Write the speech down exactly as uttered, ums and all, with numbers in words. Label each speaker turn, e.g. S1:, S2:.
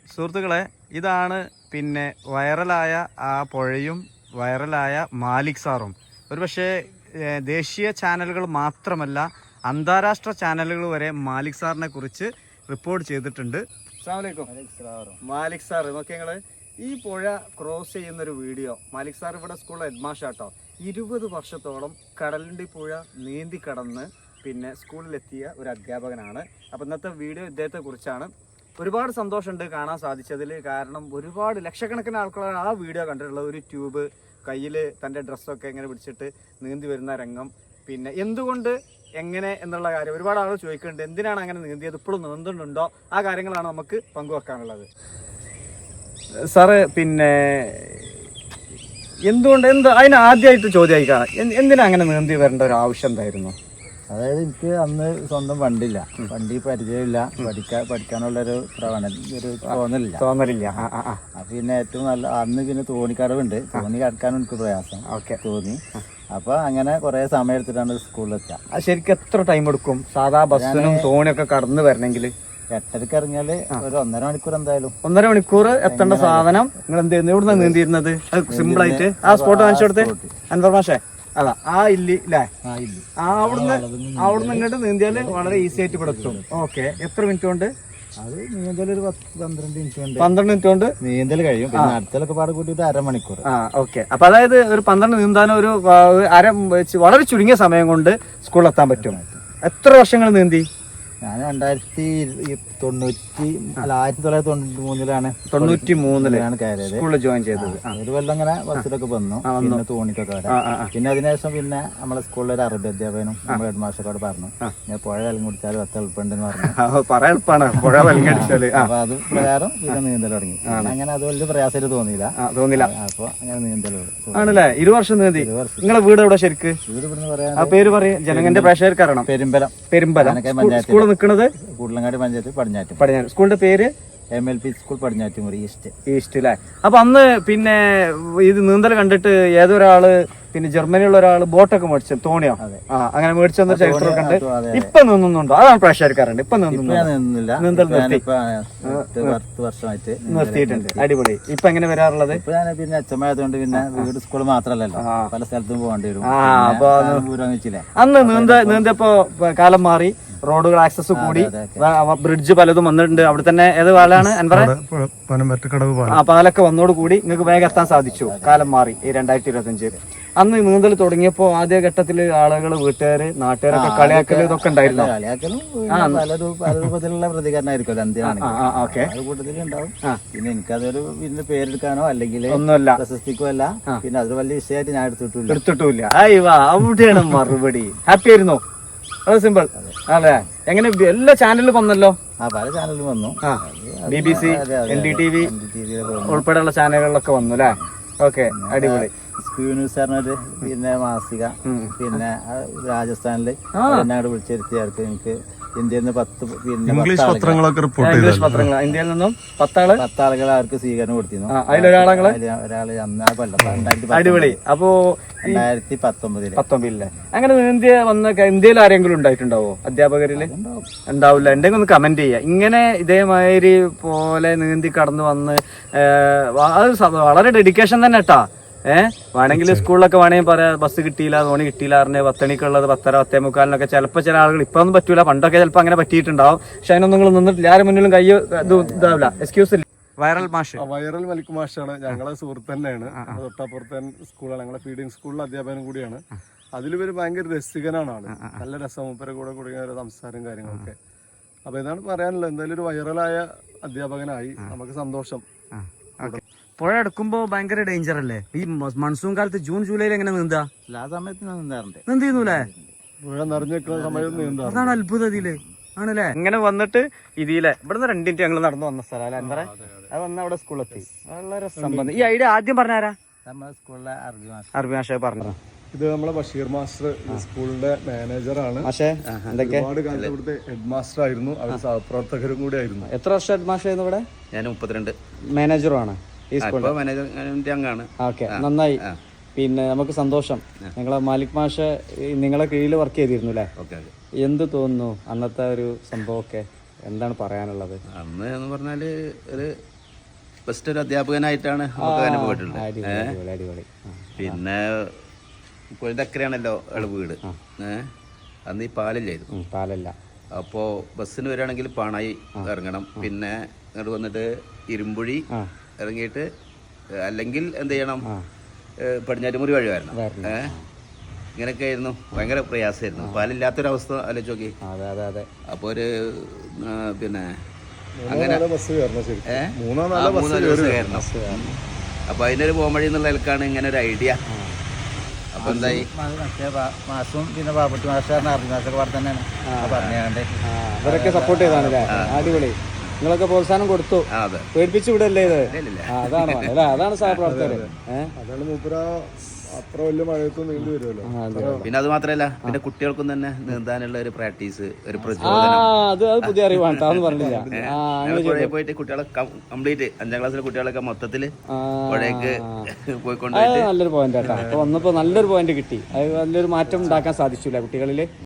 S1: സുഹൃത്തുക്കളെ, ഇതാണ് പിന്നെ വൈറലായ ആ പുഴയും വൈറലായ മാലിക് സാറും. ഒരുപക്ഷെ ദേശീയ ചാനലുകൾ മാത്രമല്ല അന്താരാഷ്ട്ര ചാനലുകൾ വരെ മാലിക് സാറിനെ കുറിച്ച് റിപ്പോർട്ട് ചെയ്തിട്ടുണ്ട്. മാലിക് സാർ, നോക്കി ഞങ്ങൾ ഈ പുഴ ക്രോസ് ചെയ്യുന്നൊരു വീഡിയോ. മാലിക് സാർ ഇവിടെ സ്കൂളിൽ ഹെഡ്മാഷാട്ടോ. ഇരുപത് വർഷത്തോളം കടലിൻ്റെ പുഴ നീന്തി കടന്ന് പിന്നെ സ്കൂളിലെത്തിയ ഒരു അധ്യാപകനാണ്. അപ്പോൾ ഇന്നത്തെ വീഡിയോ ഇദ്ദേഹത്തെ കുറിച്ചാണ്. ഒരുപാട് സന്തോഷമുണ്ട് കാണാൻ സാധിച്ചതിൽ. കാരണം ഒരുപാട് ലക്ഷക്കണക്കിന് ആൾക്കാരാണ് ആ വീഡിയോ കണ്ടിട്ടുള്ളത്. ഒരു ട്യൂബ് കയ്യിൽ തൻ്റെ ഡ്രസ്സൊക്കെ ഇങ്ങനെ പിടിച്ചിട്ട് നീന്തി വരുന്ന രംഗം, പിന്നെ എന്തുകൊണ്ട് എങ്ങനെ എന്നുള്ള കാര്യം ഒരുപാട് ആളുകൾ ചോദിക്കുന്നുണ്ട്. എന്തിനാണ് അങ്ങനെ നീന്തിയത്, ഇപ്പോഴും നീന്തുന്നുണ്ടോ, ആ കാര്യങ്ങളാണ് നമുക്ക് പങ്കുവെക്കാനുള്ളത്. സാറ് പിന്നെ എന്തുകൊണ്ട് എന്ത് അതിന് ആദ്യമായിട്ട് ചോദ്യമായിക്കാണ്, എന്തിനാ അങ്ങനെ നീന്തി വരേണ്ട ഒരു ആവശ്യം എന്തായിരുന്നു?
S2: അതായത് എനിക്ക് അന്ന് സ്വന്തം വണ്ടിയില്ല, വണ്ടി പരിചയമില്ല, പഠിക്കാൻ പഠിക്കാനുള്ളൊരു പ്രവണത ഒരു തോന്നലില്ല
S1: തോന്നലില്ല
S2: പിന്നെ ഏറ്റവും നല്ല അന്ന് പിന്നെ തോണിക്കടവുണ്ട്, തോണി കടക്കാനും എനിക്ക് പ്രയാസം ഓക്കെ തോന്നി. അപ്പൊ അങ്ങനെ കുറെ സമയം എടുത്തിട്ടാണ് സ്കൂളിലെത്തുക.
S1: അത് ശരിക്കും എത്ര ടൈം എടുക്കും സാധാ ബസ്സിനും തോണിയൊക്കെ കടന്നു വരണമെങ്കിൽ?
S2: എട്ടരക്ക് ഇറങ്ങിയാല് ഒരു ഒന്നര മണിക്കൂർ എന്തായാലും.
S1: ഒന്നര മണിക്കൂർ എത്തേണ്ട സാധനം നിങ്ങൾ എന്ത് ചെയ്യുന്നു? ഇവിടുന്ന് നീന്തിയിരുന്നത് സിമ്പിൾ ആയിട്ട് ആ സ്പോട്ട് കാണിച്ചു കൊടുത്ത് അൻവർമാഷേ അതാ ആ ഇല്ലി അല്ലേ, ആ അവിടുന്ന് അവിടുന്ന് ഇങ്ങോട്ട് നീന്തിയാല് വളരെ ഈസി ആയിട്ട് ഇവിടെ എത്തും. ഓക്കെ, എത്ര മിനിറ്റ് കൊണ്ട്?
S2: അത് നീന്തൽ ഒരു പത്ത് പന്ത്രണ്ട് മിനിറ്റ് കൊണ്ട്
S1: പന്ത്രണ്ട് മിനിറ്റ് കൊണ്ട് നീന്തൽ
S2: കഴിയും. പിന്നെ അടുത്തൊക്കെ പാടെ കൂട്ടിയിട്ട് അരമണിക്കൂർ.
S1: ആ ഓക്കെ. അപ്പൊ അതായത് ഒരു പന്ത്രണ്ട് നീന്താനും ഒരു അര വളരെ ചുരുങ്ങിയ സമയം കൊണ്ട് സ്കൂളിലെത്താൻ പറ്റും. എത്ര വർഷങ്ങൾ നീന്തി?
S2: ഞാൻ രണ്ടായിരത്തി തൊണ്ണൂറ്റി അല്ല ആയിരത്തി തൊള്ളായിരത്തി തൊണ്ണൂറ്റി മൂന്നിലാണ്
S1: തൊണ്ണൂറ്റി മൂന്നിലാണ്
S2: കയറിയത്,
S1: സ്കൂളിൽ ജോയിൻ ചെയ്തത്.
S2: ഒരു കൊല്ലം അങ്ങനെ ബസ്സിലൊക്കെ വന്നു, പിന്നെ തോണിക്കൊക്കെ വരാം. പിന്നെ അതിനുശേഷം പിന്നെ നമ്മളെ സ്കൂളിലെ ഒരു അറബി അധ്യാപകനും നമ്മുടെ ഹെഡ് മാസ്റ്ററോട് പറഞ്ഞു, ഞാൻ പുഴ വെള്ളം കുടിച്ചാൽ പത്ത് എളുപ്പമുണ്ടെന്ന് പറഞ്ഞു.
S1: പറയാൻ എളുപ്പമാണ് പുഴ വെള്ളം കുടിച്ചാല്.
S2: അപ്പൊ അത് പ്രകാരം പിന്നെ നീന്തൽ തുടങ്ങി. അങ്ങനെ അത് വലിയ പ്രയാസമായിട്ട് തോന്നിയില്ല തോന്നില്ല അപ്പൊ അങ്ങനെ നീന്തൽ
S1: ആണല്ലേ. ഇരു വർഷം നീന്തി. നിങ്ങളെ വീട് എവിടെ ശരിക്ക്?
S2: വീട് ഇവിടുന്ന് പറയാൻ
S1: ആ പേര് പറയും, ജനങ്ങളുടെ പ്രേക്ഷകർക്ക് അറിയണം.
S2: പെരുമ്പലം.
S1: പെരുമ്പലം സ്കൂൾ നിൽക്കുന്നത്
S2: കൂടലങ്ങാടി പഞ്ചായത്ത് പടിഞ്ഞാറ്റ്.
S1: പടിഞ്ഞാറ്റ്. സ്കൂളിന്റെ പേര്
S2: M L P school Padinjattumuri east.
S1: East അല്ലേ. അപ്പൊ അന്ന് പിന്നെ ഇത് നീന്തൽ കണ്ടിട്ട് ഏതൊരാള് പിന്നെ ജർമ്മനിയുള്ള ഒരാള് ബോട്ടൊക്കെ മേടിച്ചു, തോണിയോ ആ അങ്ങനെ മേടിച്ചെന്ന ചരിത്രമൊക്കെ ഉണ്ട്. ഇപ്പൊ നിന്നുണ്ടോ? അതാണ് പ്രേക്ഷകർക്കാരുണ്ട്. ഇപ്പൊ
S2: നിന്നില്ല,
S1: നീന്തൽ
S2: വർഷമായിട്ട്
S1: നിർത്തിയിട്ടുണ്ട്. അടിപൊളി. ഇപ്പൊ എങ്ങനെ വരാറുള്ളത്?
S2: ഇപ്പൊ ഞാൻ പിന്നെ അച്ഛമായതുകൊണ്ട് പിന്നെ വീട് സ്കൂൾ മാത്രല്ലല്ലോ, പല സ്ഥലത്തും പോകേണ്ടി വരും.
S1: ആ അപ്പൊ അന്ന് നീന്ത നീന്തപ്പോ കാലം മാറി, റോഡുകൾ ആക്സസ് കൂടി, ബ്രിഡ്ജ് പലതും വന്നിട്ടുണ്ട്. അവിടെ തന്നെ ഏത് പാലാണ് അൻവറ? ആ പാലൊക്കെ വന്നോട് കൂടി നിങ്ങൾക്ക് വേഗം എത്താൻ സാധിച്ചു. കാലം മാറി ഈ രണ്ടായിരത്തി ഇരുപത്തി അഞ്ച്. അന്ന് നീന്തൽ തുടങ്ങിയപ്പോ ആദ്യ ഘട്ടത്തില് ആളുകൾ, വീട്ടുകാര്, നാട്ടുകാരൊക്കെ കളിയാക്കല് ഇതൊക്കെ ഉണ്ടായിരുന്നു.
S2: രൂപത്തിലുള്ള പ്രതികരണമായിരിക്കും കൂട്ടത്തിലുണ്ടാവും. പിന്നെ എനിക്കതൊരു പിന്നെ പേരെടുക്കാനോ അല്ലെങ്കിൽ ഒന്നുമല്ല, പ്രശസ്തിക്കോ അല്ല. പിന്നെ അതൊരു വലിയ വിഷയമായിട്ട് ഞാൻ എടുത്തിട്ടില്ല എടുത്തിട്ടില്ല
S1: അവിടെയാണ് മറുപടി. ഹാപ്പി ആയിരുന്നോ? അത് സിമ്പിൾ അതെ. എങ്ങനെ എല്ലാ ചാനലിലും വന്നല്ലോ?
S2: ആ പല ചാനലിലും വന്നു.
S1: B B C, N D T V ഉൾപ്പെടെയുള്ള ചാനലുകളിലൊക്കെ വന്നു അല്ലേ? ഓക്കെ, അടിപൊളി.
S2: സ്ക്യൂ ന്യൂസ് പറഞ്ഞൊരു പിന്നെ മാസിക, പിന്നെ രാജസ്ഥാനില് എന്നോട് വിളിച്ചിരുത്തിയാർക്ക് എനിക്ക് ഇന്ത്യയിൽ നിന്ന് പത്ത് പിന്നെ
S1: ഇംഗ്ലീഷ് പത്രങ്ങളൊക്കെ റിപ്പോർട്ട് ഇംഗ്ലീഷ് പത്രങ്ങൾ ഇന്ത്യയിൽ നിന്നും പത്താള്
S2: പത്താളുകൾ അവർക്ക് സ്വീകരണം കൊടുത്തിരുന്നു.
S1: അതിലൊരാളെ
S2: ഒരാള് അന്ന് കൊല്ലം.
S1: അടിപൊളി. അപ്പോ
S2: രണ്ടായിരത്തി പത്തൊമ്പതില്
S1: പത്തൊമ്പതിലെ അങ്ങനെ ഇന്ത്യ വന്ന ഇന്ത്യയിൽ ആരെങ്കിലും ഉണ്ടായിട്ടുണ്ടാവോ അധ്യാപകരില്? ഉണ്ടാവില്ല. എന്തെങ്കിലും ഒന്ന് കമന്റ് ചെയ്യാം. ഇങ്ങനെ ഇതേമാതിരി പോലെ നീന്തി കടന്നു വന്ന് അത് വളരെ ഡെഡിക്കേഷൻ തന്നെ കേട്ടാ. ഏഹ് വേണമെങ്കിൽ സ്കൂളിലൊക്കെ വേണമെങ്കിൽ പറയാം ബസ് കിട്ടിയില്ല, തോണി കിട്ടിയില്ല പറഞ്ഞ് പത്തണിക്കുള്ളത് പത്തര പത്തേ മുക്കാലിനൊക്കെ ചിലപ്പോൾ ചില ആളുകൾ ഇപ്പൊ ഒന്നും പറ്റൂല, പണ്ടൊക്കെ ചിലപ്പോൾ അങ്ങനെ പറ്റിയിട്ടുണ്ടാവും. പക്ഷെ അതിനൊന്നും നിങ്ങൾ നിന്നിട്ടില്ല, ആരും മുന്നിലും കയ്യോ ഇത് ഇതാവില്ല, എക്സ്ക്യൂസ് ഇല്ല. വൈറൽ മാഷ്
S3: വൈറൽ മലിക് മാഷാണ് ഞങ്ങളെ സുഹൃത്ത് തന്നെയാണ്. തൊട്ടപ്പുറത്തെ സ്കൂളാണ്, ഞങ്ങളെ ഫീഡിങ് സ്കൂളിലെ അധ്യാപനം കൂടിയാണ്. അതിലിവര് ഭയങ്കര രസികനാണ് ആള്, നല്ല രസം, മൂപ്പരെ കൂടെ കൂടിയ ഒരു സംസാരം കാര്യങ്ങളൊക്കെ. അപ്പൊ ഇതാണ് പറയാനുള്ളത്. എന്തായാലും ഒരു വൈറലായ അധ്യാപകനായി നമുക്ക് സന്തോഷം.
S1: പുഴ എടുക്കുമ്പോ ഭയങ്കര ഡേഞ്ചർ അല്ലേ? ഈ മൺസൂൺ കാലത്ത് ജൂൺ ജൂലൈയിൽ എങ്ങനെ നീന്താ?
S2: ആ സമയത്ത് നീന്താറുണ്ട്.
S1: നീന്തിരുന്നൂലേ?
S3: പുഴ നിറഞ്ഞു നിൽക്കുന്ന സമയത്ത് നീന്താ.
S1: അതാണ് അത്ഭുതം ഇതില് ആണല്ലേ. ഇങ്ങനെ വന്നിട്ട് ഇതിലെ ഇവിടുന്ന് രണ്ടിന്റ് ഞങ്ങൾ നടന്നു വന്ന സ്ഥലം അല്ലെ എന്താ? അത് വന്ന അവിടെ സ്കൂളിലെത്തി. വളരെ സംബന്ധം. ഈ ഐഡിയ ആദ്യം പറഞ്ഞാരാ?
S2: നമ്മുടെ സ്കൂളിലെ അറബി മാസ്റ്റർ.
S1: അറബി മാഷ പറഞ്ഞു.
S3: ഇത് നമ്മളെ ബഷീർ മാസ്റ്റർ സ്കൂളിന്റെ മാനേജറാണ്. ഒരുപാട് കാലത്ത് ഇവിടുത്തെ ഹെഡ് മാസ്റ്റർ ആയിരുന്നു, അവർ സഹപ്രവർത്തകരും കൂടി ആയിരുന്നു.
S1: എത്ര വർഷം ഹെഡ് മാസ്റ്റർ ആയിരുന്നു ഇവിടെ?
S4: ഞാൻ മുപ്പത്തിരണ്ട്.
S1: മാനേജറുമാണ് ഈ സ്കൂളിൽ.
S4: മാനേജർ അംഗമാണ്.
S1: ഓക്കെ, നന്നായി. പിന്നെ നമുക്ക് സന്തോഷം. നിങ്ങളെ മാലിക് മാഷ നിങ്ങളെ കീഴിൽ വർക്ക് ചെയ്തിരുന്നു അല്ലേ? എന്ത് തോന്നുന്നു അന്നത്തെ ഒരു സംഭവമൊക്കെ? എന്താണ് പറയാനുള്ളത്?
S4: അന്ന് എന്ന് പറഞ്ഞാല് ഒരു ഫസ്റ്റ് ഒരു അധ്യാപകനായിട്ടാണ് നമുക്ക് അനുഭവപ്പെട്ടിട്ടുള്ളത്.
S5: അടിപൊളി അടിപൊളി അടിപൊളി ആ.
S4: പിന്നെ പുഴൻ്റെ അക്കരയാണല്ലോ അയാൾ വീട്. ഏഹ് അന്ന് ഈ പാലില്ലായിരുന്നു.
S5: ഉം, പാലല്ല.
S4: അപ്പോൾ ബസ്സിന് വരികയാണെങ്കിൽ പാണായി ഇറങ്ങണം. പിന്നെ ഇങ്ങോട്ട് വന്നിട്ട് ഇരുമ്പുഴി ഇറങ്ങിയിട്ട് അല്ലെങ്കിൽ എന്ത് ചെയ്യണം, പടിഞ്ഞാറ്റുമുറി വഴി വരണം. ഏഹ് ഇങ്ങനെയൊക്കെ ആയിരുന്നു. ഭയങ്കര പ്രയാസമായിരുന്നു. പാലില്ലാത്തൊരവസ്ഥ ആലോചിച്ച് നോക്കി.
S5: അതെ അതെ അതെ.
S4: അപ്പോൾ ഒരു ആ, പിന്നെ അങ്ങനെ
S3: ബസ് കയറണം ശരി.
S4: ഏഹ്
S3: മൂന്നോ
S4: ആ, മൂന്ന് ദിവസം കയറണം. അപ്പോൾ അതിനൊരു പോംവഴി എന്നുള്ള നിലക്കാണ് ഇങ്ങനെ ഒരു ഐഡിയ. അപ്പോൾ എന്തായി,
S2: മറ്റേ മാസും പിന്നെ ബാബുട്ടി മാസ്റ്റർ അർജുൻ മാസ്റ്റർ പറഞ്ഞ തന്നെയാണ് പറഞ്ഞാണ്ട്
S5: ഇവരൊക്കെ സപ്പോർട്ട് ചെയ്താണല്ലേ? അടിപൊളി. നിങ്ങളൊക്കെ പ്രോത്സാഹനം കൊടുത്തു,
S4: ആ അതെ
S5: പേടിപ്പിച്ചു വിടല്ലേ ഇത്?
S4: ഇല്ലില്ല.
S5: ആ, അതാണ് വേണ്ടത് അല്ലേ? അതാണ് സഹപ്രവർത്തകർ. ഏഹ്
S3: അതാണ് മൂപ്പര അത്ര വലിയ മഴയത്തും നീണ്ടു വരുമല്ലോ.
S4: പിന്നെ അത് മാത്രമല്ല, പിന്നെ കുട്ടികൾക്കും തന്നെ നീന്താനുള്ള ഒരു പ്രാക്ടീസ്, ഒരു
S5: ആ
S4: പ്രചോദനം.
S5: അത് അത് പുതിയ അറിവാണ്. അതൊന്നും പറഞ്ഞില്ല. ആ
S4: ഞങ്ങൾ പുഴയിൽ പോയിട്ട് കുട്ടികളെ കംപ്ലീറ്റ് അഞ്ചാം ക്ലാസ്സിലെ കുട്ടികളൊക്കെ മൊത്തത്തിൽ പുഴയ്ക്ക് പോയിക്കൊണ്ട്
S5: അത് നല്ലൊരു പോയിന്റ് കേട്ടോ. അപ്പൊ വന്നപ്പോ നല്ലൊരു പോയിന്റ് കിട്ടി. അത് നല്ലൊരു മാറ്റം ഉണ്ടാക്കാൻ സാധിച്ചില്ല കുട്ടികളിൽ.